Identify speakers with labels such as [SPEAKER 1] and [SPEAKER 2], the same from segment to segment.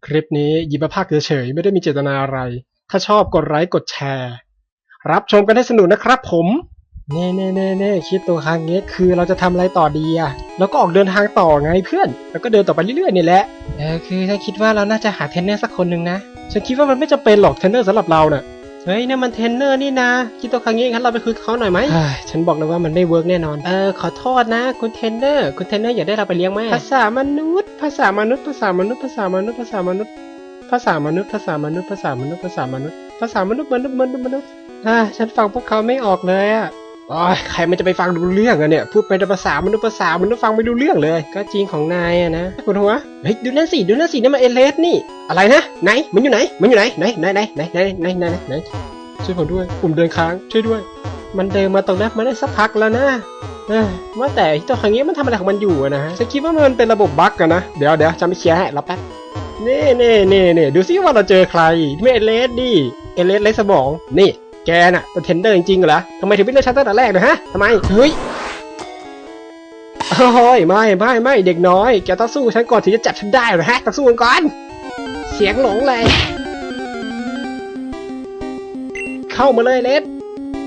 [SPEAKER 1] คลิปนี้หยิบมาพากย์เฉยๆไม่ได้มีเจตนาอะไรถ้าชอบกดไลค์กดแชร์รับชมกันให้สนุกนะครับผมเน่คิดตัวครั้งนี้คือเราจะทำอะไรต่อดีอะแล้วก็ออกเดินทางต่อไงเพื่อนแล้วก็เดินต่อไปเรื่อยๆนี่แหละคือฉันคิดว่าเราน่าจะหาเทรนเนอร์สักคนหนึ่งนะฉันคิดว่ามันไม่จำเป็นหรอกเทรนเนอร์สำหรับเราเน่ะเฮ้ยนี่มันเทรนเนอร์นี่นะคิดตัวครั้งนี้งั้นเราไปคุยกับเขาหน่อยไหมฉันบอกเลยว่ามันไม่เวิร์กแน่นอนขอโทษนะคุณเทรนเนอร์อยากได้เราไปเลี้ยงไหมภาษามนุษย์ภาษามนุษย์ภาษามนุษย์ภาษามนุษย์ภาษามนุษย์ภาษามนุษย์ภาษามนุษย์ภาษามนุษย์ภาษามนุษย์ภาษามนุษย์มนุษย์ฉันฟังพวกเขาไม่ออกเลยอ่ะใครมันจะไปฟังดูเรื่องอะเนี่ยพูดไปแต่ภาษามนุษย์ฟังไม่ดูเรื่องเลยก็จริงของนายอะนะปวดหัวเฮ้ยดูนั่นสินี่มันเอเลสนี่อะไรนะไหนมันอยู่ไหนไหนช่วยผมด้วยผมเดินค้างช่วยด้วยมันเดินมาตรงนั้นมาได้สักพักแล้วนะว่าแต่ตัวครั้งนี้มันทำอะไรของมันอยู่นะฮะฉันคิดว่ามันเป็นระบบบั๊กอะนะเดี๋ยวจะไม่เคลียร์ให้รอแป๊บนี่ดูซิว่าเราเจอใครไม่เอเลสดิเอเลสไร้สมองนี่แกน่ะเป็นเทรนเนอร์จริงๆเหรอทำไมถึงไม่เลือกฉันตั้งแต่แรกนะฮะทำไมเฮ้ยโอ้ยไม่เด็กน้อยแกต้องสู้ฉันก่อนถึงจะจับฉันได้เหรอฮะต้องสู้กันก่อนเสียงหลงเลยเข้ามาเลยเลส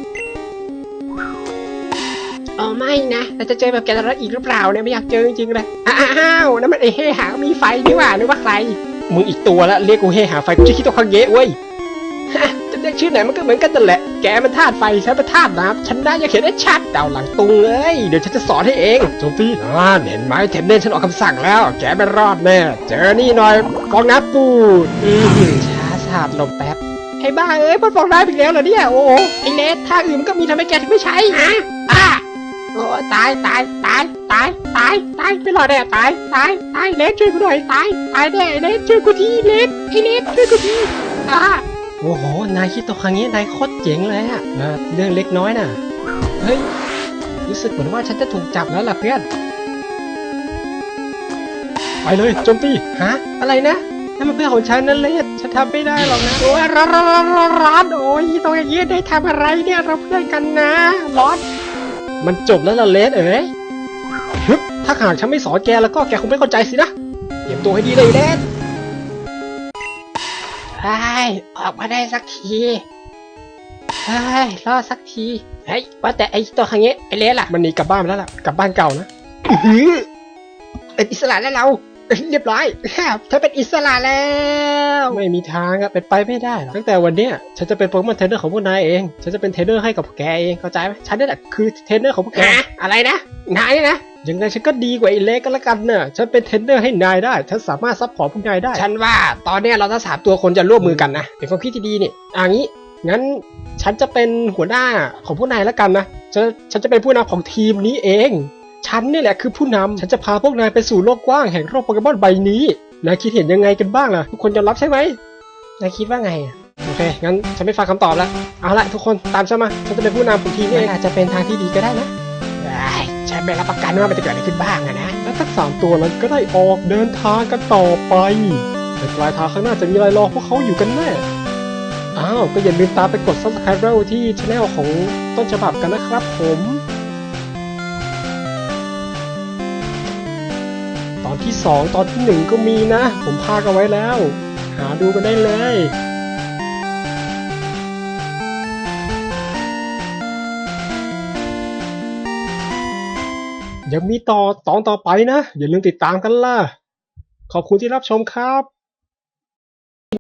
[SPEAKER 1] ไม่นะเราจะเจอแบบแกแล้วอีกหรือเปล่าเนี่ยไม่อยากเจอจริงๆเลยอ้าวนั่นมันไอ้เฮ่หามีไฟนี่หว่านึกว่าใครมึงอีกตัวละเรียกกูเฮ่หาไฟกูจะคิดตัวคังเยะเว้ยจะเรียกชื่อไหนมันก็เหมือนกันนั่นแหละแกมันธาตุไฟฉันเป็นธาตุน้ำฉันได้ยังเขียนได้ชัดดาวหลังตุงเลยเดี๋ยวฉันจะสอนให้เองโจมตีเห็นไหมเทนเนนฉันออกคำสั่งแล้วแกไม่รอดแน่เจอนี่หน่อยฟองน้ำปูดช้าสาดลมแป๊บไอ้บ้ามันฟองน้ำอีกแล้วเหรอเนี่ยโอ้ไอ้เลสท่าอื่นมันก็มีทำไมแกถึงไม่ใช้โอ้ตายไม่รอดแน่ตายเลสช่วยกูหน่อยตายแน่เลสช่วยกูทีเลสช่วยกูทีโอ้โหนายคิดตัวครั้งนี้นายโคตรเจ๋งเลยอะเรื่องเล็กน้อยน่ะเฮ้ยรู้สึกเหมือนว่าฉันจะถูกจับแล้วล่ะเพื่อนไปเลยโจมตีอะไรนะนั่นมันเพื่อนของฉันนั่นเลยฉันทำไม่ได้หรอกนะโอ้ยร้อนโอ้ยตรงอย่างนี้ได้ทำอะไรเนี่ยเราเพื่อนกันนะร้อนมันจบแล้วล่ะเลสถ้าหากฉันไม่สอนแกแล้วก็แกคงไม่เข้าใจสินะเตรียมตัวให้ดีเลยเลสออกมาได้สักทีรอสักทีว่าแต่ไอ้ตัวครั้งนี้ไอ้เลสล่ะมันหนีกลับบ้านแล้วล่ะกลับบ้านเก่านะเป็นอิสระแล้วเราเรียบร้อยเธอเป็นอิสระแล้วไม่มีทางเป็นไปไม่ได้ตั้งแต่วันนี้ฉันจะเป็นโปเกมอนเทรนเนอร์ของพวกนายเองฉันจะเป็นเทรนเนอร์ให้กับแกเองเข้าใจไหมฉันนี่แหละคือเทรนเนอร์ของพวกแกอะไรนะนายนะยังไงฉันก็ดีกว่าไอ้เล็กก็แล้วกันเนอะฉันเป็นเทรนเนอร์ให้นายได้ฉันสามารถซัพพอร์ตพวกนายได้ฉันว่าตอนนี้เราทั้ง3ตัวคนจะร่วมมือกันนะเป็นความคิดที่ดีนี่งี้งั้นฉันจะเป็นหัวหน้าของพวกนายแล้วกันนะฉันจะเป็นผู้นำของทีมนี้เองฉันนี่แหละคือผู้นำฉันจะพาพวกนายไปสู่โลกกว้างแห่งโลกโปเกมอนใบนี้นายคิดเห็นยังไงกันบ้างล่ะทุกคนยอมรับใช่ไหมนายคิดว่าไงโอเคงั้นฉันไม่ฟังคำตอบแล้วเอาละทุกคนตามฉันมาฉันจะเป็นผู้นำของทีมนี้อาจจะเป็นทางที่ดีก็ได้นะฉันไม่รับประกันว่ามันจะเกิดอะไรขึ้นบ้างนะและทั้ง3ตัวนั้นก็ได้ออกเดินทางกันต่อไปในปลายทางข้างหน้าจะมีอะไรรอพวกเขาอยู่กันแน่ก็อย่าลืมตามไปกด Subscribe ที่ Channel ของต้นฉบับกันนะครับผมตอนที่2ตอนที่1ก็มีนะผมพากเอาไว้แล้วหาดูกันได้เลยยังมีตอนต่อไปนะอย่าลืมติดตามกันล่ะขอบคุณที่รับชมครับ